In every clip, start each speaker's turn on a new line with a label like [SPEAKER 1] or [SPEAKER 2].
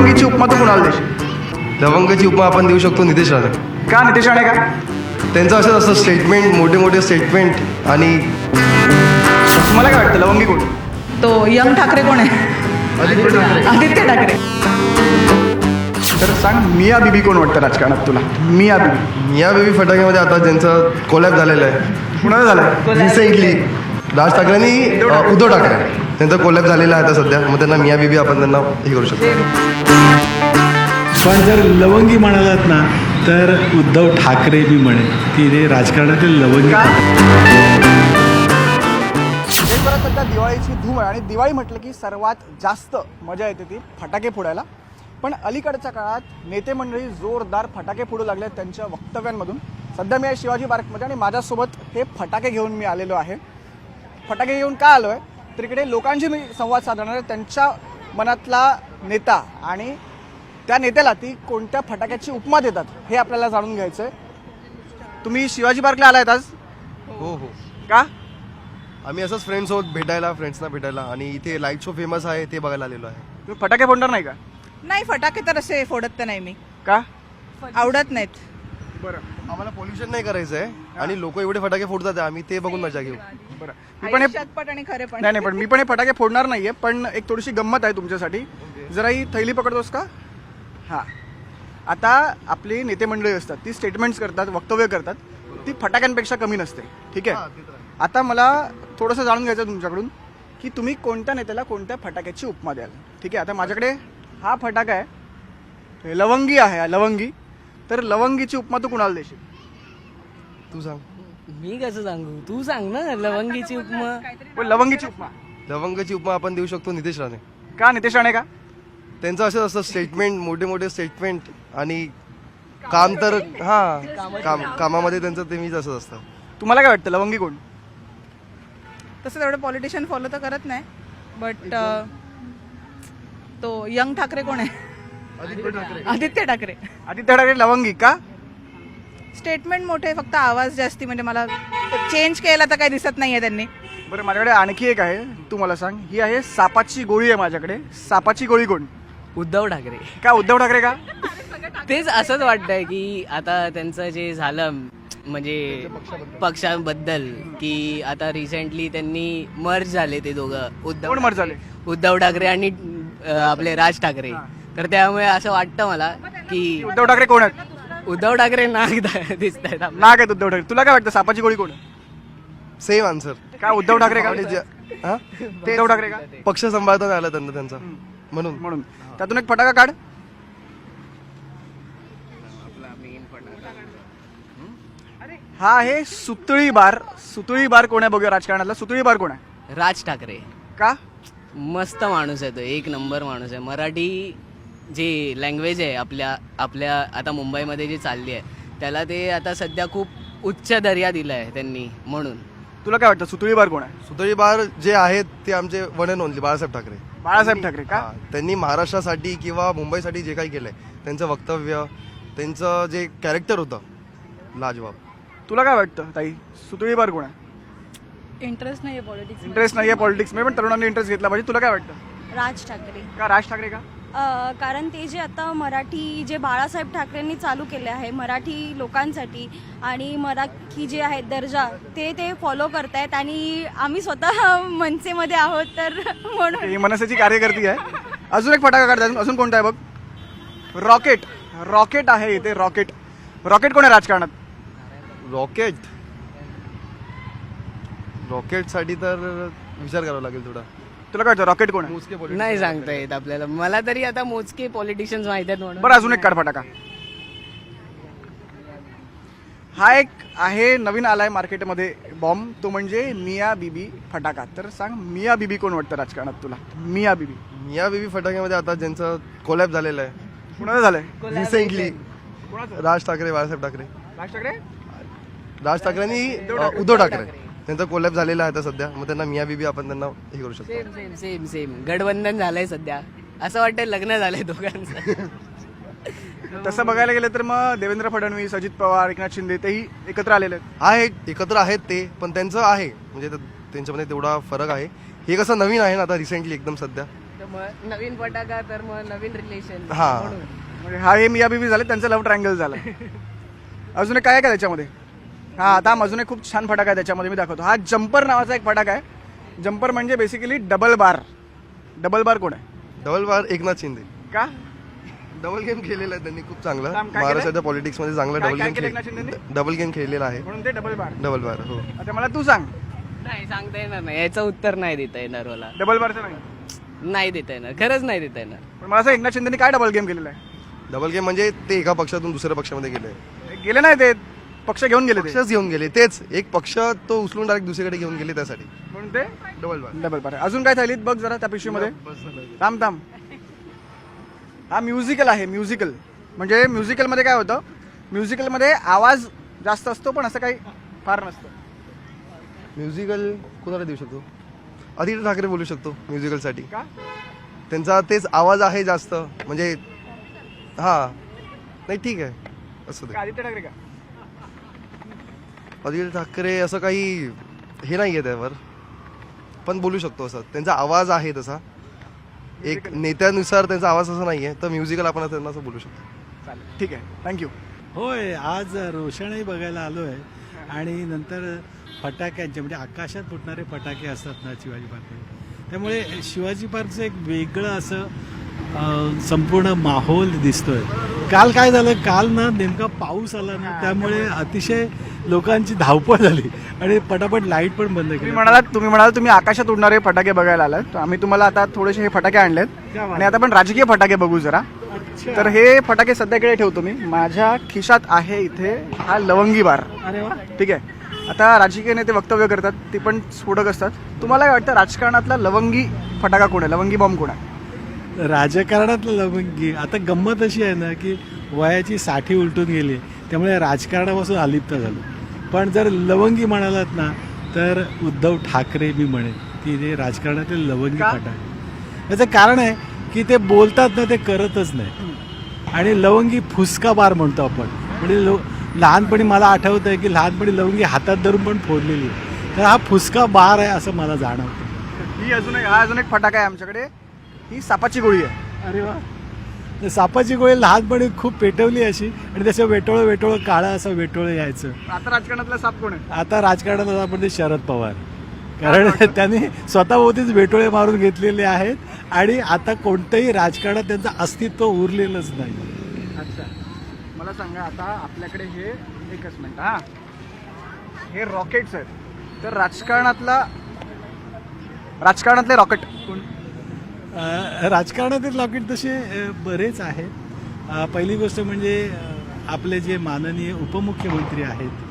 [SPEAKER 1] लवंगीची उपमा तू कुणाला देशील?
[SPEAKER 2] लवंगाची उपमा आपण देऊ शकतो नितेश राणे.
[SPEAKER 1] का नितेश राणे का?
[SPEAKER 2] त्यांचं असं असतं स्टेटमेंट, मोठे मोठे स्टेटमेंट. आणि
[SPEAKER 1] तुम्हाला काय वाटतं लवंगी कोण?
[SPEAKER 3] तो यंग ठाकरे कोण आहे? आदित्य ठाकरे.
[SPEAKER 1] तर सांग मिया बीबी कोण वाटतं राजकारणात तुला? मिया बीबी
[SPEAKER 2] मिया बेबी फटाक्यामध्ये आता ज्यांचं कोलॅब झालेलं आहे
[SPEAKER 1] कुणाला झालं?
[SPEAKER 2] रिसेंटली राज ठाकरे आणि उद्धव ठाकरे त्यांचा कोलॅब झालेला आहे आता सध्या. मग त्यांना मिया बीबी आपण त्यांना हे करू शकतो.
[SPEAKER 4] पण जर लवंगी म्हणालात ना तर उद्धव ठाकरे मी म्हणेन की ते राजकारणातील लवंगी.
[SPEAKER 1] देशभरात सध्या दिवाळीची धूम आहे आणि दिवाळी म्हटलं की सर्वात जास्त मजा येते ती फटाके फोडायला. पण अलीकडच्या काळात नेते मंडळी जोरदार फटाके फोडू लागले त्यांच्या वक्तव्यांमधून. सध्या मी आहे शिवाजी पार्कमध्ये आणि माझ्यासोबत हे फटाके घेऊन मी आलेलो आहे. फटाके घेऊन का आलो आहे तर इकडे लोकांशी मी संवाद साधणार आहे. त्यांच्या मनातला नेता आणि त्या नेत्याला ती कोणत्या फटाक्याची उपमा देतात हे आपल्याला जाणून घ्यायचं आहे. तुम्ही शिवाजी पार्कला आलायत आज?
[SPEAKER 2] हो हो,
[SPEAKER 1] का?
[SPEAKER 2] आम्ही असंच फ्रेंड्सना भेटायला आणि इथे लाईट शो फेमस आहे ते बघायला आलेलो आहे.
[SPEAKER 1] तुम्ही फटाके फोडणार नाही का?
[SPEAKER 3] नाही, फटाके तर असे फोडत तर नाही मी,
[SPEAKER 1] का?
[SPEAKER 3] आवडत नाहीत.
[SPEAKER 1] बरं
[SPEAKER 2] आम्हाला पोल्युशन नाही करायचं आहे आणि लोक एवढे फटाके फोडतात आम्ही ते बघून मजा घेऊ.
[SPEAKER 1] बरं मी पण हे
[SPEAKER 3] शतपट आणि खरे पण.
[SPEAKER 1] नाही पण मी पण हे फटाके फोडणार नाहीये. पण एक थोडीशी गंमत आहे तुमच्यासाठी. जरा ही थैली पकडतोस का? हां. आता आपली नेते मंडळी असतात ती स्टेटमेंट्स करतात, वक्तव्य करतात, ती फटाक्यांपेक्षा कमी नसते. ठीक आहे. आता मला थोडंसं जाणून घ्यायचं तुमच्याकडून की तुम्ही कोणत्या नेत्याला कोणत्या फटाक्याची उपमा द्याल. ठीक आहे. आता माझ्याकडे हा फटाका आहे, लवंगी आहे, लवंगी. तर लवंगीची उपमा तू कुणाला देशील?
[SPEAKER 2] तू सांग.
[SPEAKER 5] मी कसं सांगू, तू सांग ना. लवंगीची उपमा.
[SPEAKER 1] पण लवंगीची उपमा
[SPEAKER 2] लवंगाची उपमा आपण देऊ शकतो नितेश राणे.
[SPEAKER 1] का? नितेश राणे का?
[SPEAKER 2] त्यांचं असं असतं स्टेटमेंट, मोठे मोठे स्टेटमेंट. आणि काम तर कामामध्ये त्यांचं नेहमीच असंच असतं.
[SPEAKER 1] तुम्हाला काय वाटतं लवंगी कोण?
[SPEAKER 3] तसं तेवढं पॉलिटिशियन फॉलो तर करत नाही, बट तो यंग ठाकरे कोण आहे? आदित्य ठाकरे.
[SPEAKER 1] आदित्य ठाकरे लवंगी का?
[SPEAKER 3] स्टेटमेंट मोठे, फक्त आवाज जास्ती. म्हणजे मला चेंज केला तर काही दिसत नाहीये त्यांनी.
[SPEAKER 1] बरं माझ्याकडे आणखी एक आहे, तू मला सांग. ही आहे सापाची गोळी आहे माझ्याकडे. सापाची गोळी कोण?
[SPEAKER 5] उद्धव ठाकरे.
[SPEAKER 1] का? उद्धव ठाकरे का?
[SPEAKER 5] तेच असंच वाटतंय की आता त्यांचं जे झालं म्हणजे पक्षाबद्दल की आता रिसेंटली त्यांनी मर्ज झाले ते दोघं.
[SPEAKER 1] कोण मर्ज झाले?
[SPEAKER 5] उद्धव ठाकरे आणि आपले राज ठाकरे. तर त्यामुळे असं वाटतं मला की
[SPEAKER 1] उद्धव ठाकरे कोण आहेत?
[SPEAKER 5] उद्धव ठाकरे नाक दिसत आहेत.
[SPEAKER 1] नाग आहेत उद्धव ठाकरे. तुला काय वाटतं सापाची गोळी कोण?
[SPEAKER 2] Same answer.
[SPEAKER 1] का? उद्धव ठाकरे का?
[SPEAKER 2] हा?
[SPEAKER 1] उद्धव ठाकरे का?
[SPEAKER 2] पक्ष सांभाळताना आला त्यांचा म्हणून.
[SPEAKER 1] म्हणून त्यातून एक फटाका काढ. हा आहे सुतळी बार. सुतळी बार कोण आहे बघूया राजकारणाला. सुतळी बार कोण आहे?
[SPEAKER 5] राज ठाकरे.
[SPEAKER 1] का?
[SPEAKER 5] मस्त माणूस आहे तो, एक नंबर माणूस आहे. मराठी जी लँग्वेज आहे आपल्या आता मुंबईमध्ये जी चालली आहे त्याला ते आता सध्या खूप उच्च दर्जा दिला आहे त्यांनी. म्हणून
[SPEAKER 1] तुला काय वाटतं सुतळी बार कोण आहे?
[SPEAKER 2] सुतळी बार जे आहेत ते आमचे one and only Balasaheb Thackeray.
[SPEAKER 1] Balasaheb Thackeray का?
[SPEAKER 2] हा, त्यांनी महाराष्ट्रासाठी किंवा मुंबईसाठी जे काही केलंय त्यांचं वक्तव्य, त्यांचं जे कॅरेक्टर होतं लाजवाब.
[SPEAKER 1] तुला काय वाटतं ताई सुतळी बार कोण आहे?
[SPEAKER 6] इंटरेस्ट नाही आहे पॉलिटिक्स.
[SPEAKER 1] इंटरेस्ट नाही आहे पॉलिटिक्समध्ये, पण तरुणांनी इंटरेस्ट घेतला पाहिजे. तुला काय वाटतं?
[SPEAKER 6] राज ठाकरे.
[SPEAKER 1] का? राज ठाकरे का?
[SPEAKER 6] कारण ते जे आता मराठी जे बाळासाहेब ठाकरेंनी चालू केले आहे मराठी लोकांसाठी आणि मराठी जे आहे दर्जा ते फॉलो करतायत आणि आम्ही स्वतः मनसेमध्ये आहोत तर म्हणून.
[SPEAKER 1] ही मनसेची कार्यकर्ती आहे. अजून एक फटाका काढतात. अजून कोणता आहे बघ? रॉकेट. रॉकेट आहे इथे. रॉकेट. रॉकेट कोण आहे राजकारणात?
[SPEAKER 2] रॉकेटसाठी तर विचार करावा लागेल थोडा.
[SPEAKER 1] तुला काय वाटतं रॉकेट कोण आहे?
[SPEAKER 5] नाही सांगता येत आपल्याला. मला तरी आता मोजके पॉलिटिशियन्स माहित आहेत म्हणून.
[SPEAKER 1] बरं अजून एक काढ फटाका. हा एक आहे नवीन आलाय मार्केटमध्ये बॉम्ब, तो म्हणजे मिया बीबी फटाका. तर सांग मिया बीबी कोण वाटतं राजकारणात तुला? मिया बीबी.
[SPEAKER 2] मिया बेबी फटाक्यामध्ये आता ज्यांचं कोलॅब झालेलं आहे
[SPEAKER 1] कुणाचं झालंय?
[SPEAKER 2] रिसेंटली
[SPEAKER 1] कोणाचं?
[SPEAKER 2] राज ठाकरे, बाळासाहेब ठाकरे.
[SPEAKER 1] राज ठाकरे.
[SPEAKER 2] राज ठाकरे आणि उद्धव ठाकरे त्यांचा कोलॅब झालेला आहे आता सध्या. मग त्यांना मिया बीबी आपण त्यांना हे करू शकतो.
[SPEAKER 5] सेम सेम सेम सेम गठबंधन झालंय सध्या. असं वाटतंय लग्न झालंय दोघांचं.
[SPEAKER 1] तसं बघायला गेलं तर मग देवेंद्र फडणवीस, अजित पवार, एकनाथ शिंदे तेही एकत्र आलेले आहेत.
[SPEAKER 2] आहेत, एकत्र आहेत ते, पण त्यांचं आहे म्हणजे त्यांच्यामध्ये तेवढा फरक आहे. हे कसं नवीन आहे ना आता रिसेंटली एकदम सध्या.
[SPEAKER 5] मग नवीन फटाका तर मग नवीन रिलेशन.
[SPEAKER 2] हा
[SPEAKER 1] म्हणजे हा हे मिया बीबी झाले, त्यांचं लव्ह ट्रायंगल झालं. अजून एक काय आहे का त्याच्यामध्ये? हा आता अजून एक खूप छान फटाका आहे त्याच्यामध्ये, मी दाखवतो. हा जम्पर नावाचा एक फटाका आहे. जम्पर म्हणजे basically double bar. Double bar कोण आहे?
[SPEAKER 2] Double bar Eknath Shinde.
[SPEAKER 1] का?
[SPEAKER 2] डबल गेम खेळलेला आहे त्यांनी खूप चांगला.
[SPEAKER 1] काय केलंय?
[SPEAKER 2] महाराष्ट्राच्या पॉलिटिक्स मध्ये चांगला
[SPEAKER 1] काय-
[SPEAKER 2] डबल
[SPEAKER 1] काय
[SPEAKER 2] गेम
[SPEAKER 1] केलं एकनाथ शिंदेंनी?
[SPEAKER 2] डबल गेम खेळलेला आहे.
[SPEAKER 1] म्हणून ते डबल बार.
[SPEAKER 2] डबल बार हो.
[SPEAKER 1] आता मला तू सांग,
[SPEAKER 5] नाही सांगता येणार नाही, याचं उत्तर नाही देता येणार मला.
[SPEAKER 1] डबल बारचं नाही.
[SPEAKER 5] नाही देता येणार, खरंच नाही देता येणार.
[SPEAKER 1] पण मला असं एकनाथ शिंदेनी काय डबल गेम केलेला आहे?
[SPEAKER 2] डबल गेम म्हणजे ते एका पक्षातून दुसऱ्या पक्षामध्ये गेले.
[SPEAKER 1] गेले नाही ते, पक्ष घेऊन गेले ते.
[SPEAKER 2] पक्षच घेऊन गेले. तेच एक पक्ष तो उचलून डायरेक्ट दुसरीकडे घेऊन गेले त्यासाठी
[SPEAKER 1] म्हणून ते
[SPEAKER 2] डबल बार.
[SPEAKER 1] डबल बार. अजून काय थैलीत बघ जरा त्या पिशवीमध्ये. थांब थांब. हा म्युझिकल आहे. म्युझिकल म्हणजे म्युझिकलमध्ये काय होतं, म्युझिकलमध्ये आवाज जास्त असतो पण असं काही फार नसतं.
[SPEAKER 2] म्युझिकल कोणाला देऊ शकतो? आदित्य ठाकरे बोलू शकतो म्युझिकलसाठी.
[SPEAKER 1] का?
[SPEAKER 2] त्यांचा तेच आवाज आहे जास्त, म्हणजे हा नाही ठीक आहे असं ते.
[SPEAKER 1] का आदित्य ठाकरे का?
[SPEAKER 2] आदित्य ठाकरे असं काही हे नाही आहे त्यावर, पण बोलू शकतो असं. त्यांचा आवाज आहे तसा, एक नेत्यानुसार त्यांचा आवाज असा नाही आहे, तर म्युझिकल आपण त्यांना असं बोलू शकतो.
[SPEAKER 1] चालेल, ठीक आहे, थँक्यू.
[SPEAKER 4] होय, आज रोषणाई बघायला आलो आहे. आणि नंतर फटाक्यांचे म्हणजे आकाशात फुटणारे फटाके असतात ना शिवाजी पार्कमध्ये, त्यामुळे शिवाजी पार्कचं एक वेगळं असं संपूर्ण माहोल दिसतोय. काल काय झालं, काल ना नेमका पाऊस आला ना, त्यामुळे अतिशय लोकांची धावपळ झाली आणि पटापट लाईट पण बंद केली.
[SPEAKER 1] तुम्ही म्हणाल तुम्ही आकाशात उडणारे फटाके बघायला आलात, तर आम्ही तुम्हाला आता थोडेसे हे फटाके आणलेत आणि आता आपण राजकीय फटाके बघू जरा. तर हे फटाके सध्याकडे ठेवतो मी. माझ्या खिशात आहे इथे हा लवंगी बार.
[SPEAKER 4] अरे वा.
[SPEAKER 1] ठीक आहे. आता राजकीय नेते वक्तव्य करतात, ती पण स्फोटक असतात. तुम्हाला काय वाटतं राजकारणातला लवंगी फटाका कोण आहे, लवंगी बॉम्ब कोण आहे?
[SPEAKER 4] राजकारणातलं लवंगी आता गंमत अशी आहे ना की वयाची 60 उलटून गेली, त्यामुळे राजकारणापासून अलिप्त झालो. पण जर लवंगी म्हणालात ना तर उद्धव ठाकरे मी म्हणेन की ते राजकारणातील लवंगी
[SPEAKER 1] का?
[SPEAKER 4] फटाके. याचं कारण आहे की ते बोलतात ना, ते करतच नाही. आणि लवंगी फुसका बार म्हणतो आपण. म्हणजे लहानपणी मला आठवतं आहे की लहानपणी लवंगी हातात धरून पण फोडलेली आहे, तर हा फुसका बार आहे असं मला जाणवतं.
[SPEAKER 1] ही हा अजून एक फटाका आहे आमच्याकडे. ही सापाची गोळी आहे.
[SPEAKER 4] अरे वा. तर सापाची गोळी लहानपणी खूप पेटवली अशी, आणि त्याचं वेटोळं काळं असं वेटोळं यायचं.
[SPEAKER 1] आता राजकारणातला साप कोण आहे?
[SPEAKER 4] आता राजकारणात आपण ते शरद पवार, कारण त्यांनी स्वतःभोवतीच वेटोळे मारून घेतलेले आहेत आणि आता कोणतंही राजकारणात त्यांचं अस्तित्व उरलेलंच नाही.
[SPEAKER 1] अच्छा, मला सांगा आता आपल्याकडे हे एकच मिनिट. हा, हे रॉकेट्स आहेत. तर राजकारणातले रॉकेट कोण?
[SPEAKER 4] राजकारणातील रॉकेट तसे बरेच आहेत. पहिली गोष्ट म्हणजे आपले जे माननीय उपमुख्यमंत्री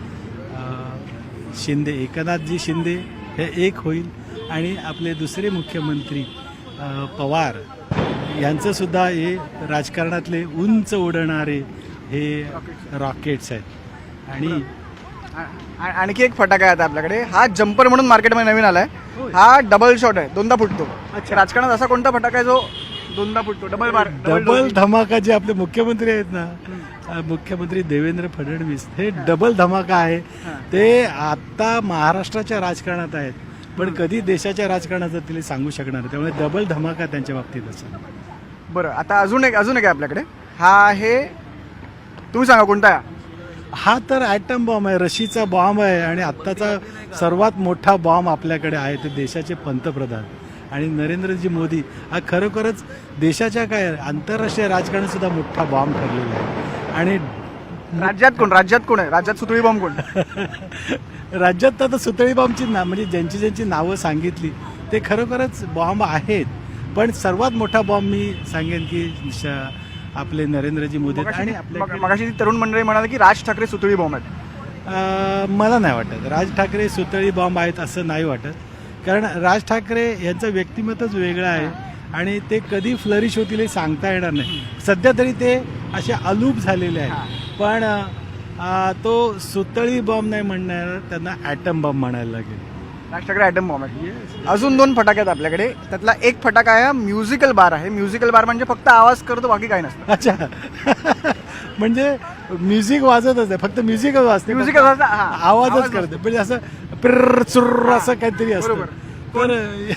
[SPEAKER 4] आहेत शिंदे, एकनाथजी शिंदे हे एक होईल. आणि आपले दुसरे मुख्यमंत्री पवार यांचंसुद्धा हे राजकारणातले उंच उडणारे हे रॉकेट्स आहेत. आणि
[SPEAKER 1] आणखी एक फटाका आहे आता आपल्याकडे. हा जम्पर म्हणून मार्केटमध्ये नवीन आलाय. हा डबल शॉट आहे, दोनदा फुटतो. राजकारणात असा कोणता फटाका आहे जो दोनदा फुटतो? डबल बार,
[SPEAKER 4] डबल धमाका. जे आपले मुख्यमंत्री आहेत ना, मुख्यमंत्री देवेंद्र फडणवीस, हे डबल धमाका आहे. ते आता महाराष्ट्राच्या राजकारणात आहेत, पण कधी देशाच्या राजकारणाचं तिला सांगू शकणार. त्यामुळे डबल धमाका त्यांच्या बाबतीत असेल.
[SPEAKER 1] बरं, आता अजून एक आहे आपल्याकडे. हा आहे, तुम्ही सांगा कोणता आहे?
[SPEAKER 4] हा तर ॲटम बॉम्ब आहे, रशीचा बॉम्ब आहे. आणि आत्ताचा सर्वात मोठा बॉम्ब आपल्याकडे आहे ते देशाचे पंतप्रधान आणि नरेंद्रजी मोदी. हा खरोखरच देशाच्या काय आंतरराष्ट्रीय राजकारणात सुद्धा मोठा बॉम्ब ठरलेला आहे. आणि
[SPEAKER 1] राज्यात कोण आहे? राज्यात सुतळी बॉम्ब कोण?
[SPEAKER 4] राज्यात तर आता सुतळी बॉम्बची म्हणजे ज्यांची नावं सांगितली ते खरोखरच बॉम्ब आहेत. पण सर्वात मोठा बॉम्ब मी सांगेन की आपले नरेंद्रजी मोदी. आणि
[SPEAKER 1] मगाशी ती तरुण मंडळी म्हणाले की राज ठाकरे सुतळी बॉम्ब आहेत.
[SPEAKER 4] मला नाही वाटत राज ठाकरे सुतळी बॉम्ब आहेत असं नाही वाटत. कारण राज ठाकरे यांचं व्यक्तिमत्वच वेगळं आहे आणि ते कधी फ्लरिश होतील हे सांगता येणार नाही. सध्या तरी ते असे अलूप झालेले आहेत. पण तो सुतळी बॉम्ब नाही म्हणणार, त्यांना ॲटम बॉम्ब म्हणायला लागेल.
[SPEAKER 1] राज ठाकरे ॲटम बॉम्ब आहे. अजून 2 फटाके आहेत आपल्याकडे. त्यातला एक फटाका आहे म्युझिकल बार आहे. म्युझिकल बार म्हणजे फक्त आवाज करतो, बाकी काही नसतं.
[SPEAKER 4] अच्छा. म्हणजे म्युझिक वाजतच आहे, फक्त म्युझिकच वाजते,
[SPEAKER 1] म्युझिकल
[SPEAKER 4] आवाजच करते. म्हणजे असं पिर्र चुर्र असं काहीतरी असतं. तर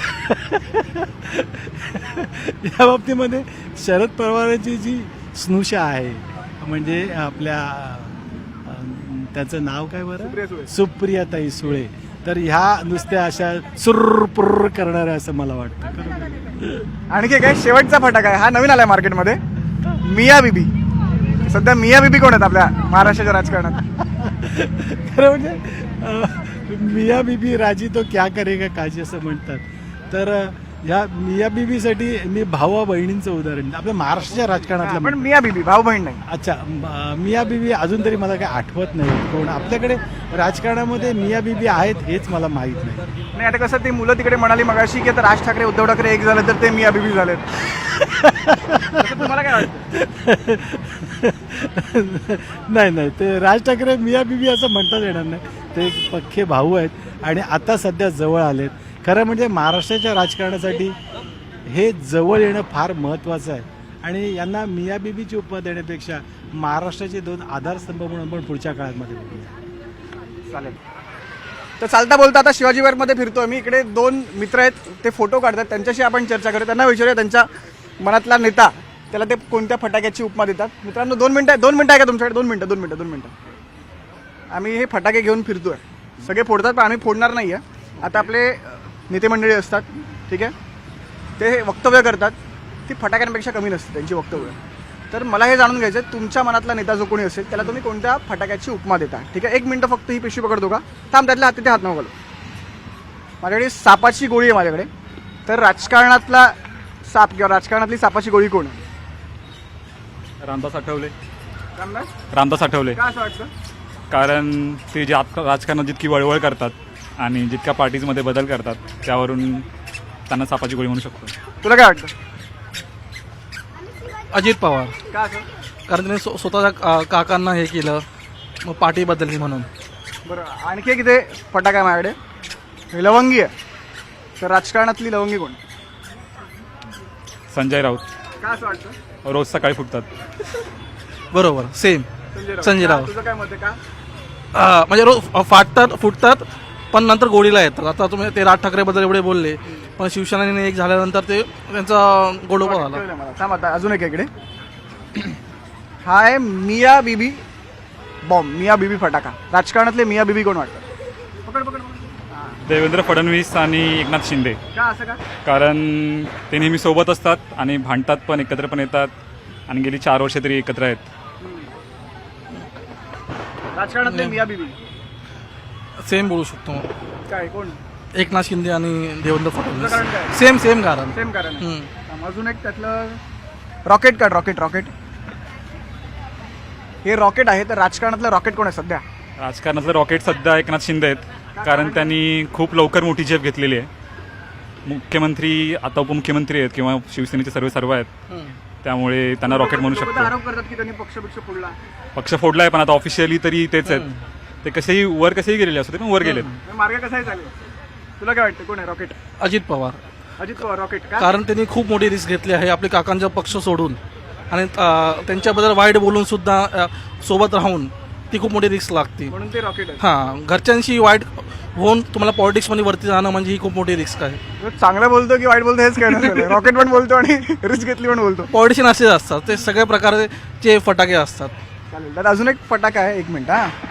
[SPEAKER 4] या बाबतीमध्ये शरद पवारांची जी स्नुषा आहे म्हणजे आपल्या त्याचं नाव काय बरं, सुप्रियाताई सुळे, तर ह्या नुसत्या अशा सुरपुर करणाऱ्या असं मला वाटतं.
[SPEAKER 1] आणखी काय शेवटचा फटाका आहे, हा नवीन आलाय मार्केटमध्ये, मिया बीबी. सध्या मिया बीबी कोण आहेत आपल्या महाराष्ट्राच्या राजकारणात?
[SPEAKER 4] खरं म्हणजे मिया बीबी राजी तो क्या करेगा काजी असं म्हणतात. तर ह्या मिया बीबीसाठी मी भावा बहिणींचं उदाहरण आपल्या महाराष्ट्राच्या राजकारणातलं
[SPEAKER 1] पण मिया बीबी भाऊ बहीण नाही.
[SPEAKER 4] अच्छा, मिया बीबी अजून तरी मला काही आठवत नाही कोण आपल्याकडे राजकारणामध्ये मिया बीबी आहेत हेच मला माहीत नाही.
[SPEAKER 1] नाही आता कसं ते मुलं तिकडे म्हणाली मगाशी की आता राज ठाकरे उद्धव ठाकरे एक झालं तर ते मिया बीबी झालेत. तसं तुम्हाला काय वाटतं?
[SPEAKER 4] नाही ते राज ठाकरे मिया बीबी असं म्हणताच येणार नाही. ते पक्के भाऊ आहेत आणि आता सध्या जवळ आलेत. खरं म्हणजे महाराष्ट्राच्या राजकारणासाठी हे जवळ येणं फार महत्त्वाचं आहे आणि यांना मिया बीबीची उपमा देण्यापेक्षा महाराष्ट्राचे 2 आधारस्तंभ म्हणून आपण पुढच्या काळामध्ये बघूया.
[SPEAKER 1] चालेल. तर चालता बोलता आता शिवाजीनगरमध्ये फिरतोय मी. इकडे 2 मित्र आहेत, ते फोटो काढतात, त्यांच्याशी आपण चर्चा करू. त्यांना विचारूया त्यांच्या मनातला नेता, त्याला ते कोणत्या फटाक्याची उपमा देतात. मित्रांनो 2 मिनटं आहे का तुमच्याकडे? 2 मिनटं. आम्ही हे फटाके घेऊन फिरतोय, सगळे फोडतात पण आम्ही फोडणार नाही आहे. आता आपले नेते मंडळी असतात, ठीक आहे, ते वक्तव्य करतात, ती फटाक्यांपेक्षा कमी नसते त्यांची वक्तव्य. तर मला हे जाणून घ्यायचं आहे, तुमच्या मनातला नेता जो कोणी असेल त्याला तुम्ही कोणत्या फटाक्याची उपमा देता, ठीक आहे? 1 मिनटं फक्त ही पिशवी पकडतो का? थांब, त्यातल्या हात तिथे हात नको घालू. माझ्याकडे सापाची गोळी आहे माझ्याकडे. तर राजकारणातला साप किंवा राजकारणातली सापाची गोळी कोण आहे?
[SPEAKER 7] रामदास आठवले.
[SPEAKER 1] रामदास?
[SPEAKER 7] रामदास आठवले.
[SPEAKER 1] का असं वाटतं?
[SPEAKER 7] कारण ते जे राजकारणात जितकी वळवळ करतात आणि जितक्या पार्टीजमध्ये बदल करतात त्यावरून त्यांना सापाची गोळी म्हणू शकतो.
[SPEAKER 1] तुला काय वाटतं?
[SPEAKER 8] अजित पवार.
[SPEAKER 1] का असं?
[SPEAKER 8] कारण त्यांनी स्वतःच्या काकांना हे केलं, मग पार्टी बदलली म्हणून.
[SPEAKER 1] बरं, आणखी एक इथे फटाका आहे माझ्याकडे, हे लवंगी आहे. तर राजकारणातली लवंगी कोण?
[SPEAKER 7] संजय राऊत.
[SPEAKER 1] का असं वाटतं?
[SPEAKER 7] रोज सकाळी फुटतात.
[SPEAKER 8] बरोबर, सेम संजय
[SPEAKER 1] का?
[SPEAKER 8] राऊत.
[SPEAKER 1] तुझं काय मत आहे का?
[SPEAKER 8] म्हणजे रोज फुटतात पण नंतर गोडीला येतात. आता तुम्ही ते राज ठाकरेबद्दल एवढे बोलले, पण शिवसेनेने एक झाल्यानंतर ते त्यांचा गोडोबा झाला.
[SPEAKER 1] कळलं मला. थांब आता अजून एक आहे इकडे. हा आहे मिया बीबी बॉम्ब, मिया बीबी फटाका. राजकारणातले मिया बीबी कोण वाटतं? पकड पकड पकड. हां.
[SPEAKER 7] देवेंद्र फडणवीस आणि एकनाथ शिंदे.
[SPEAKER 1] का असं का?
[SPEAKER 7] कारण ते नेहमी सोबत असतात आणि भांडतात पण, एकत्र पण येतात आणि गेली 4 वर्ष तरी एकत्र आहेत.
[SPEAKER 1] राजकारणातले मिया बीबी
[SPEAKER 8] सेम बोलू शकतो.
[SPEAKER 1] काय कोण?
[SPEAKER 8] एकनाथ शिंदे आणि देवेंद्र
[SPEAKER 1] तुझं कारण
[SPEAKER 8] फडणवीस.
[SPEAKER 1] काय?
[SPEAKER 8] सेम कारण.
[SPEAKER 1] सेम कारण आहे.
[SPEAKER 8] हम्म.
[SPEAKER 1] थांब, अजून एक त्यातलं रॉकेट काढ. रॉकेट हे रॉकेट आहे. तर राजकारणातलं रॉकेट कोण आहे सध्या?
[SPEAKER 7] राजकारणातलं रॉकेट सध्या एकनाथ शिंदे आहेत. कारण त्यांनी खूप लवकर मोठी झेप घेतलेली आहे. मुख्यमंत्री आता उपमुख्यमंत्री आहेत किंवा शिवसेनेचे सर्व आहेत, त्यामुळे त्यांना रॉकेट म्हणू
[SPEAKER 1] लोकं तर
[SPEAKER 7] शकतो.
[SPEAKER 1] आरोप करतात की त्यांनी पक्ष फोडला.
[SPEAKER 7] पक्ष फोडला आहे पण आता ऑफिशियली तरी तेच आहेत. ते कसेही गेलेले असते पण वर गेलेत.
[SPEAKER 1] मार्ग कसाही चालेल. तुला काय वाटतं कोण आहे रॉकेट?
[SPEAKER 8] अजित पवार.
[SPEAKER 1] अजित पवार रॉकेट का?
[SPEAKER 8] कारण त्यांनी खूप मोठी रिस्क घेतली आहे आपल्या काकांचा पक्ष सोडून आणि त्यांच्याबद्दल वाईट बोलून सुद्धा सोबत राहून ती खूप मोठी रिस्क लागते.
[SPEAKER 1] म्हणून ते रॉकेट आहे.
[SPEAKER 8] हां, घरच्यांशी वाईट होऊन तुम्हाला पॉलिटिक्समध्ये वरती जाणं म्हणजे ही खूप मोठी रिस्क आहे.
[SPEAKER 1] चांगलं बोलतो की वाईट बोलतो हेच कळणार. रॉकेट पण बोलतो आणि रिस्क घेतली पण बोलतो.
[SPEAKER 8] पॉलिटिशियन असेच असतात, ते सगळ्या प्रकारचे फटाके असतात.
[SPEAKER 1] चालेल. तर अजून एक फटाका आहे, 1 मिनिट.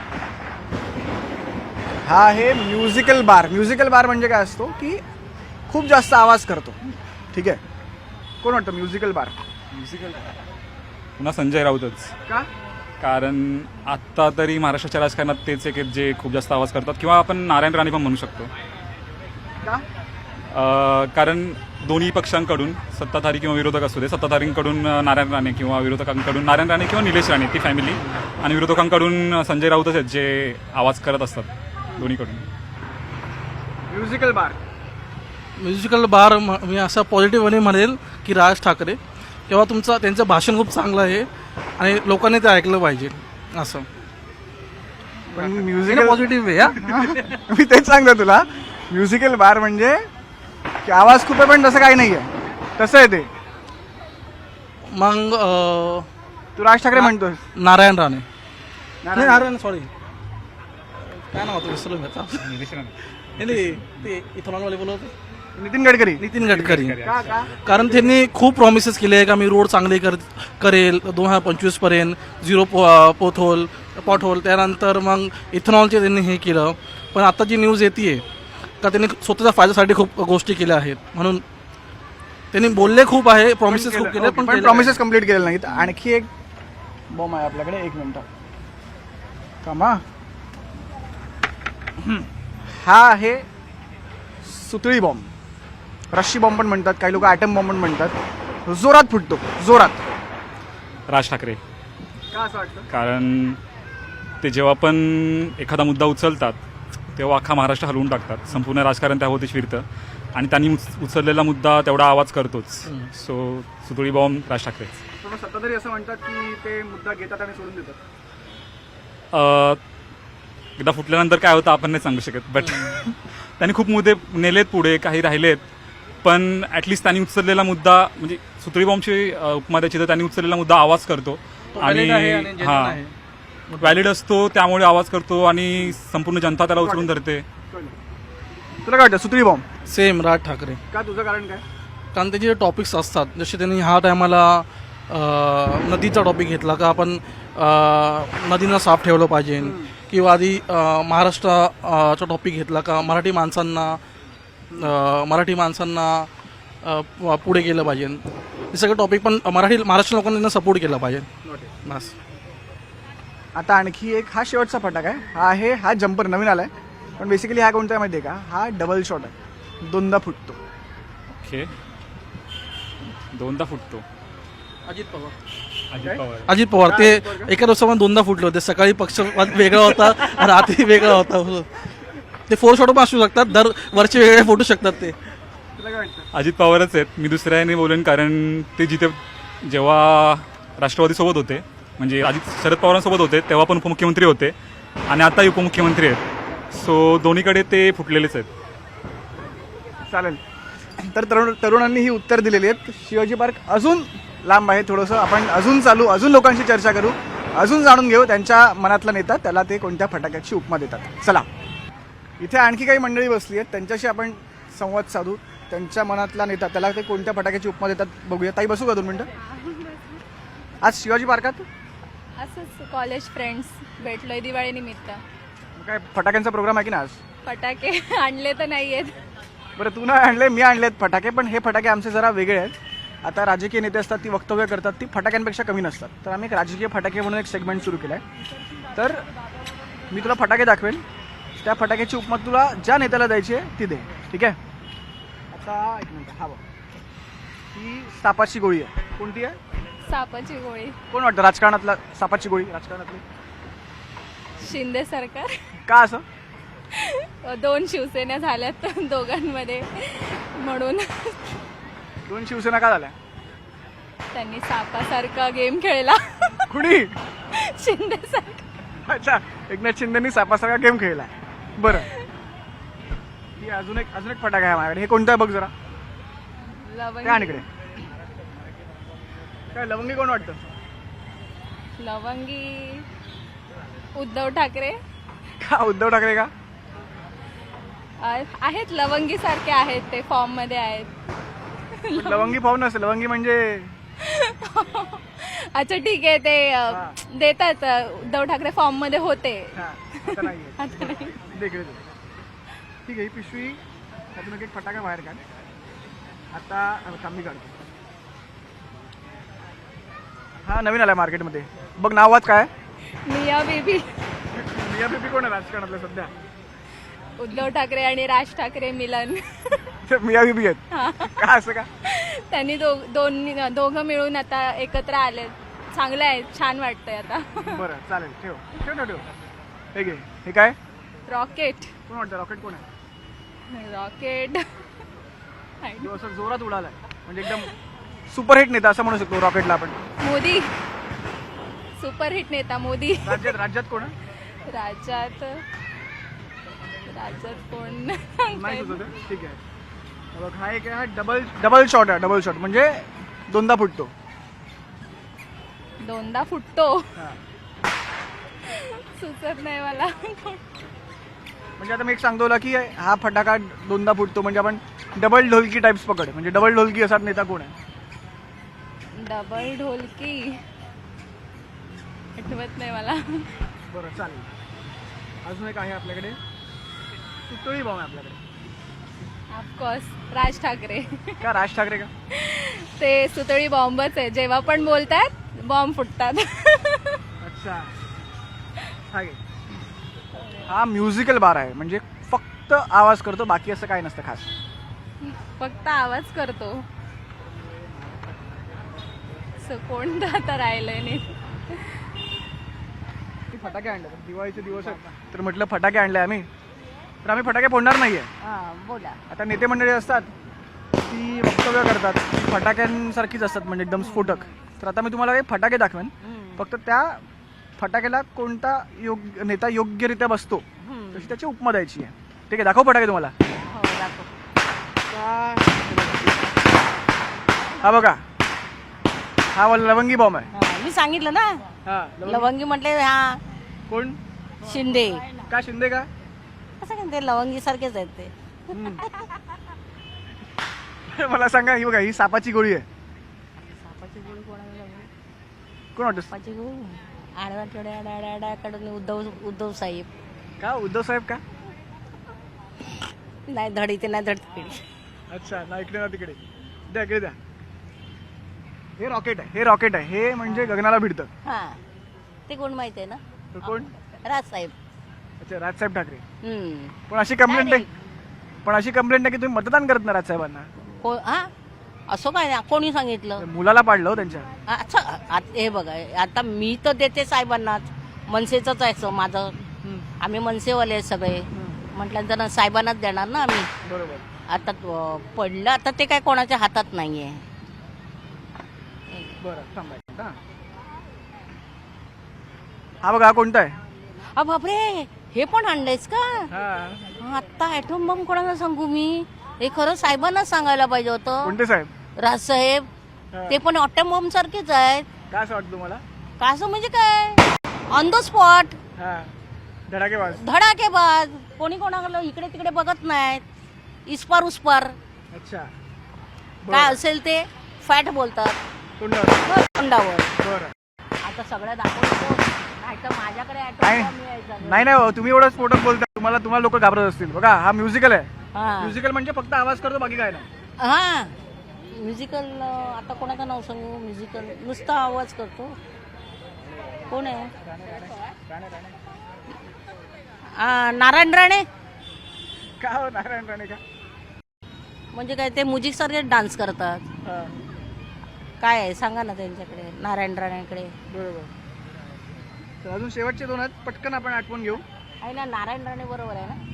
[SPEAKER 1] हा आहे म्युझिकल बार. म्युझिकल बार म्हणजे काय असतो की खूप जास्त आवाज करतो, ठीक आहे? कोण वाटतं म्युझिकल बार?
[SPEAKER 7] पुन्हा संजय राऊतच.
[SPEAKER 1] का?
[SPEAKER 7] कारण आत्ता तरी महाराष्ट्राच्या राजकारणात तेच एक आहेत जे खूप जास्त आवाज करतात, किंवा आपण नारायण राणे पण म्हणू शकतो.
[SPEAKER 1] का?
[SPEAKER 7] कारण दोन्ही पक्षांकडून, सत्ताधारी किंवा विरोधक असू दे, सत्ताधारींकडून नारायण राणे किंवा विरोधकांकडून नारायण राणे किंवा निलेश राणे ती फॅमिली, आणि विरोधकांकडून संजय राऊतच आहेत जे आवाज करत असतात दोन्हीकडून.
[SPEAKER 1] म्युझिकल
[SPEAKER 8] बार मी असा पॉझिटिव्हने म्हणेल की राज ठाकरे, तेव्हा त्यांचं भाषण खूप चांगलं आहे आणि लोकांनी ते ऐकलं पाहिजे असं.
[SPEAKER 1] पण म्युझिकल
[SPEAKER 8] पॉझिटिव्ह आहे.
[SPEAKER 1] मी तेच सांगतो तुला, म्युझिकल बार म्हणजे की आवाज खूप आहे पण तसं काही नाही आहे, तसं आहे ते.
[SPEAKER 8] मग
[SPEAKER 1] तू राज ठाकरे म्हणतोस?
[SPEAKER 8] नारायण राणे. नारायण सॉरी, काय नाव होतं विसरलो मी आता. नाही ते इथेनॉलवाले बोलत होते.
[SPEAKER 1] नितीन गडकरी
[SPEAKER 8] नितीन गडकरी
[SPEAKER 1] का का
[SPEAKER 8] कारण त्यांनी खूप प्रॉमिसेस केले आहे का मी रोड चांगले करेल 2025 पर्यंत झिरो पॉटहोल त्यानंतर मग इथेनॉलचे त्यांनी हे केलं. पण आता जी न्यूज येते का त्यांनी स्वतःच्या फायद्यासाठी खूप गोष्टी केल्या आहेत. म्हणून त्यांनी बोलले खूप आहे, प्रॉमिसेस खूप केले, पण केले
[SPEAKER 1] प्रॉमिसेस कम्प्लीट केलेले नाहीत. आणखी एक बॉम्ब आहे आपल्याकडे, 1 मिनिट कामा. हा आहे सुतळी बॉम्ब, रश्शी बॉम्ब पण म्हणतात, काही लोक ॲटम बॉम्ब पण म्हणतात. जोरात फुटतो, जोरात.
[SPEAKER 7] राज ठाकरे.
[SPEAKER 1] का असं वाटतं?
[SPEAKER 7] कारण ते जेव्हा पण एखादा मुद्दा उचलतात तेव्हा अख्खा महाराष्ट्र हलवून टाकतात. संपूर्ण राजकारण त्याभोवती फिरतं आणि त्यांनी उचललेला मुद्दा तेवढा आवाज करतोच. सो सुतळी बॉम्ब राज ठाकरे.
[SPEAKER 1] पण सत्ताधारी असं म्हणतात की ते मुद्दा घेतात आणि सोडून देतात.
[SPEAKER 7] एकदा फुटल्यानंतर काय होतं आपण नाही सांगू शकत, बट त्यांनी खूप मुद्दे नेलेत पुढे, काही राहिलेत, पण ॲटलिस्ट त्यांनी उचललेला मुद्दा म्हणजे सुतळी बॉम्बची उपमा द्यायची तर त्यांनी उचललेला मुद्दा आवाज करतो आणि हां व्हॅलिड असतो, त्यामुळे आवाज करतो आणि संपूर्ण जनता त्याला उचलून धरते.
[SPEAKER 1] तुला काय वाटतं सुतळी बॉम्ब?
[SPEAKER 8] सेम राज ठाकरे.
[SPEAKER 1] का, तुझं कारण काय?
[SPEAKER 8] कारण त्याचे जे टॉपिक्स असतात, जसे त्यांनी ह्या टायमाला नदीचा टॉपिक घेतला का आपण नदीनं साफ ठेवलं पाहिजे, किंवा आधी महाराष्ट्राचा टॉपिक घेतला का मराठी माणसांना पुढे केलं पाहिजे. हे सगळं टॉपिक पण महाराष्ट्र लोकांनी त्यांना सपोर्ट केला पाहिजे. बस.
[SPEAKER 1] आता आणखी एक, हा शेवटचा फटाका आहे. हा जम्पर नवीन आलाय, पण बेसिकली हा कोणता आहे माहिती आहे का? हा डबल शॉट आहे, 2दा फुटतो.
[SPEAKER 7] ओके, 2दा फुटतो.
[SPEAKER 8] अजित पवार.
[SPEAKER 7] अजित पवार.
[SPEAKER 8] ते एका दिवसामध्ये 2दा फुटले होते. सकाळी पक्ष वेगळा होता, रात्री वेगळा होता. ते 4 शॉट पण असू शकतात, दर वरचे वेगळे फुटू शकतात. ते
[SPEAKER 7] अजित पवारच आहेत. मी दुसऱ्याने बोलेन, कारण ते जेव्हा राष्ट्रवादी सोबत होते, म्हणजे शरद पवारांसोबत होते, तेव्हा पण उपमुख्यमंत्री होते आणि आताही उपमुख्यमंत्री आहेत. सो दोन्हीकडे ते फुटलेलेच आहेत.
[SPEAKER 1] चालेल. तर तरुणांनी ही उत्तर दिलेली आहेत. शिवाजी पार्क अजून लांब आहे थोडंसं, आपण अजून लोकांशी चर्चा करू, अजून जाणून घेऊ त्यांच्या मनातला नेता त्याला ते कोणत्या फटाक्याची उपमा देतात. चला, इथे आणखी काही मंडळी बसली आहेत, त्यांच्याशी आपण संवाद साधू. त्यांच्या मनातला नेता त्याला ते कोणत्या फटाक्याची उपमा देतात बघूया. ताई, बसू का 2 मिनिटं? आज शिवाजी पार्कात
[SPEAKER 6] असंच कॉलेज फ्रेंड्स भेटलोय दिवाळीनिमित्त.
[SPEAKER 1] काय फटाक्यांचा प्रोग्राम आहे की ना आज?
[SPEAKER 6] फटाके आणले तर नाही आहेत.
[SPEAKER 1] बरं, तू नाही आणले, मी आणलेत फटाके, पण हे फटाके आमचे जरा वेगळे आहेत. आता राजकीय नेते असतात, ती वक्तव्य करतात, ती फटाक्यांपेक्षा कमी नसतात. तर आम्ही एक राजकीय फटाके म्हणून एक सेगमेंट सुरू केला आहे. तर मी तुला फटाके दाखवेल, त्या फटाक्याची उपमा तुला ज्या नेत्याला द्यायची आहे ती दे, ठीक आहे? आता 1 मिनिट. हा बघ, ही सापाची गोळी आहे. कोणती आहे?
[SPEAKER 6] सापाची गोळी.
[SPEAKER 1] कोण वाटतं राजकारणातला सापाची गोळी? राजकारणातली
[SPEAKER 6] शिंदे सरकार.
[SPEAKER 1] का असं?
[SPEAKER 6] 2 शिवसेना झाल्यात दोघांमध्ये, म्हणून
[SPEAKER 1] 2 शिवसेना का झाल्या?
[SPEAKER 6] त्यांनी सापासारखा गेम खेळला.
[SPEAKER 1] कुणी?
[SPEAKER 6] शिंदे सरकार.
[SPEAKER 1] अच्छा, एकनाथ शिंदेनी सापासारखा गेम खेळला. बरं, ही अजून एक फटाका आहे माझ्याकडे. हे कोणतं आहे बघ जरा. काय आणि इकडे काय लवंगी कोण वाटतं?
[SPEAKER 6] लवंगी उद्धव ठाकरे.
[SPEAKER 1] का उद्धव ठाकरे का?
[SPEAKER 6] आहेत लवंगी सारखे आहेत, ते फॉर्म मध्ये आहेत.
[SPEAKER 1] लवंगी पाहून नसेल, लवंगी म्हणजे
[SPEAKER 6] अच्छा ठीक आहे, ते देतात. उद्धव ठाकरे फॉर्म मध्ये होते.
[SPEAKER 1] आता नाही. ठीक आहे, ही पिशवी त्यातून एक फटाका बाहेर काढ. आता मी काढतो. हा नवीन आलाय मार्केटमध्ये, बघ. नाव वाच काय?
[SPEAKER 6] मिया बीबी.
[SPEAKER 1] मिया बीबी कोण आहे राजकारणातलं सध्या?
[SPEAKER 6] उद्धव ठाकरे आणि राज ठाकरे मिलन.
[SPEAKER 1] मिया बीबी आहेत का? असं का?
[SPEAKER 6] त्यांनी दोघं मिळून आता एकत्र आले. चांगलं आहे, छान वाटतंय आता.
[SPEAKER 1] बरं, चालेल. ठेव. हे घे. हे काय?
[SPEAKER 6] रॉकेट.
[SPEAKER 1] कोण वाटतं? रॉकेट कोण आहे?
[SPEAKER 6] रॉकेट
[SPEAKER 1] जो असं जोरात उडालाय, म्हणजे एकदम सुपरहिट नेता असं म्हणू शकतो रॉकेटला आपण.
[SPEAKER 6] मोदी. सुपरहिट नेता मोदी.
[SPEAKER 1] राज्यात कोण आहे?
[SPEAKER 6] राज्यात कोण
[SPEAKER 1] नाही सुचत. ठीक आहे, बघ. हा एक आहे, डबल शॉट आहे. डबल शॉट म्हणजे 2दा फुटतो.
[SPEAKER 6] 2दा फुटतो. सुचत नाही मला.
[SPEAKER 1] म्हणजे आता मी एक सांगतो की हा फटाका 2दा फुटतो, म्हणजे आपण डबल ढोलकी टाइप्स पकड, म्हणजे डबल ढोलकी असा नेता कोण आहे?
[SPEAKER 6] डबल ढोलकी आठवत नाही मला.
[SPEAKER 1] बरं चालेल. अजून एक आहे आपल्याकडे, सुतळी बॉम्ब आहे आपल्याकडे.
[SPEAKER 6] ऑफकोर्स राज ठाकरे.
[SPEAKER 1] का राज ठाकरे का?
[SPEAKER 6] ते सुतळी बॉम्बच आहे, जेव्हा पण बोलतात बॉम्ब फुटतात.
[SPEAKER 1] अच्छा, हा घे. हा म्युझिकल बार आहे, म्हणजे फक्त आवाज करतो, बाकी असं काही नसतं खास.
[SPEAKER 6] फक्त आवाज करतो. कोणता तर राहिलंय नाही.
[SPEAKER 1] फटाके आणले, दिवाळीचे दिवस आहेत तर म्हटलं फटाके आणले आम्ही, तर आम्ही फटाके फोडणार नाहीये.
[SPEAKER 6] बोला.
[SPEAKER 1] आता नेते मंडळी असतात ती वक्तव्य करतात, ती फटाक्यांसारखीच असतात, म्हणजे एकदम स्फोटक. तर आता मी तुम्हाला काही फटाके दाखवेन, फक्त त्या फटाक्याला कोणता नेता योग्यरित्या बसतो तशी त्याची उपमा द्यायची आहे. ठीक आहे, दाखव फटाके तुम्हाला. हा बघा, हा लवंगी बॉम्ब आहे.
[SPEAKER 3] मी सांगितलं ना,
[SPEAKER 1] हा
[SPEAKER 3] लवंगी म्हटले. हा
[SPEAKER 1] कोण?
[SPEAKER 3] शिंदे.
[SPEAKER 1] का शिंदे का?
[SPEAKER 3] असं काय ते लवंगी सारखेच आहेत ते.
[SPEAKER 1] मला सांगा, ही बघा, ही सापाची गोळी आहे. कोण वाटत?
[SPEAKER 3] सापाची गोळी आडवाकडून उद्धव साहेब.
[SPEAKER 1] का उद्धव साहेब का?
[SPEAKER 3] नाही धड इथे नाही धड तिकडे.
[SPEAKER 1] अच्छा, ना इकडे ना तिकडे. द्या इकडे द्या. हे रॉकेट आहे, हे रॉकेट आहे, हे म्हणजे गगनाला भिडतं.
[SPEAKER 3] हा ते कोण माहित आहे ना?
[SPEAKER 1] तर कोण?
[SPEAKER 3] राजसाहेब.
[SPEAKER 1] अच्छा, राजसाहेब ठाकरे.
[SPEAKER 3] हम्म.
[SPEAKER 1] पण अशी कंप्लेंट आहे, पण अशी कंप्लेंट आहे की तुम्ही मतदान करत ना राजसाहेबांना.
[SPEAKER 3] हा असं काय नाही, कोणी सांगितलं?
[SPEAKER 1] मुलाला पाडलं हो त्यांच्या.
[SPEAKER 3] अच्छा, हे बघा, आता मी तर देते साहेबांनाच, मनसेचंच आहे माझं. आम्ही मनसेवाले आहे सगळे, म्हटल्यानंतर साहेबांनाच देणार ना आम्ही.
[SPEAKER 1] बरोबर.
[SPEAKER 3] आता पडलं, आता ते काय कोणाच्या हातात नाहीये.
[SPEAKER 1] बरं थांबा. हा बघा, हा कोणता आहे?
[SPEAKER 3] बापरे, हे पण आणलंयस का?
[SPEAKER 1] हा.
[SPEAKER 3] आता ॲटम बॉम्ब कोणाला सांगू मी? हे खरं साहेबांनाच सांगायला पाहिजे होतं.
[SPEAKER 1] कोणते साहेब?
[SPEAKER 3] राजसाहेब. ते पण ॲटम बॉम्ब सारखेच आहेत.
[SPEAKER 1] काय असं वाटतं तुम्हाला?
[SPEAKER 3] कसं म्हणजे काय? ऑन द स्पॉट,
[SPEAKER 1] हा, धडाकेबाज.
[SPEAKER 3] धडाकेबाज. कोणी कोणाला इकडे तिकडे बघत नाहीत, इस्पार उस्पार.
[SPEAKER 1] अच्छा,
[SPEAKER 3] काय असेल ते फॅट बोलतात
[SPEAKER 1] तोंडावर.
[SPEAKER 3] तोंडावर.
[SPEAKER 1] बरं.
[SPEAKER 3] आता सगळं दाखवतो, नाही तर माझ्याकडे ॲटम
[SPEAKER 1] नाही
[SPEAKER 3] बॉम्ब यायचा.
[SPEAKER 1] नाही हो, तुम्ही एवढं स्फोटक बोलता, तुम्हाला लोक घाबरत असतील. बघा, हा म्युझिकल आहे.
[SPEAKER 3] हा
[SPEAKER 1] म्युझिकल म्हणजे फक्त आवाज करतो, बाकी काय नाही.
[SPEAKER 3] हा म्युझिकल. आता कोणाचं नाव सांगू? म्युझिकल नुसता आवाज करतो. कोण आहे? नारायण राणे.
[SPEAKER 1] का हो, नारायण राणे का?
[SPEAKER 3] म्हणजे काय, ते म्युझिक सारखे डान्स करतात.
[SPEAKER 1] हा,
[SPEAKER 3] काय आहे सांगा ना त्यांच्याकडे, नारायण राणेकडे.
[SPEAKER 1] बरोबर. तर अजून शेवटचे दोन आहेत, पटकन आपण आठवून घेऊ.
[SPEAKER 3] आहे ना, नारायण राणे बरोबर आहे ना.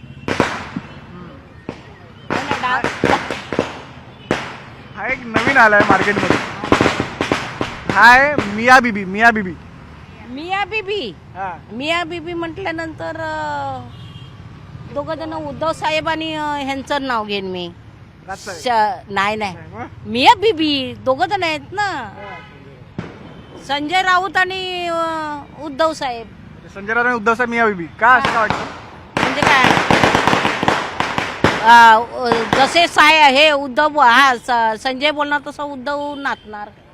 [SPEAKER 1] हा एक नवीन आलाय मार्केटमध्ये, हा आहे मिया बीबी. मिया बीबी.
[SPEAKER 3] मिया बीबी.
[SPEAKER 1] हा,
[SPEAKER 3] मिया बीबी म्हटल्यानंतर दोघं जण उद्धव साहेब आणि ह्यांचं नाव घेईन मी.
[SPEAKER 1] राजसाहेब.
[SPEAKER 3] नाही नाही,
[SPEAKER 1] मग?
[SPEAKER 3] मिया बीबी दोघं जण आहेत ना, संजय राऊत आणि उद्धव साहेब.
[SPEAKER 1] संजय राऊत आणि उद्धव साहेब, मिया बीबी. का असं का वाटतं?
[SPEAKER 3] म्हणजे काय, जसे हे उद्धव, हा संजय बोलणार तसं उद्धव नाचणार.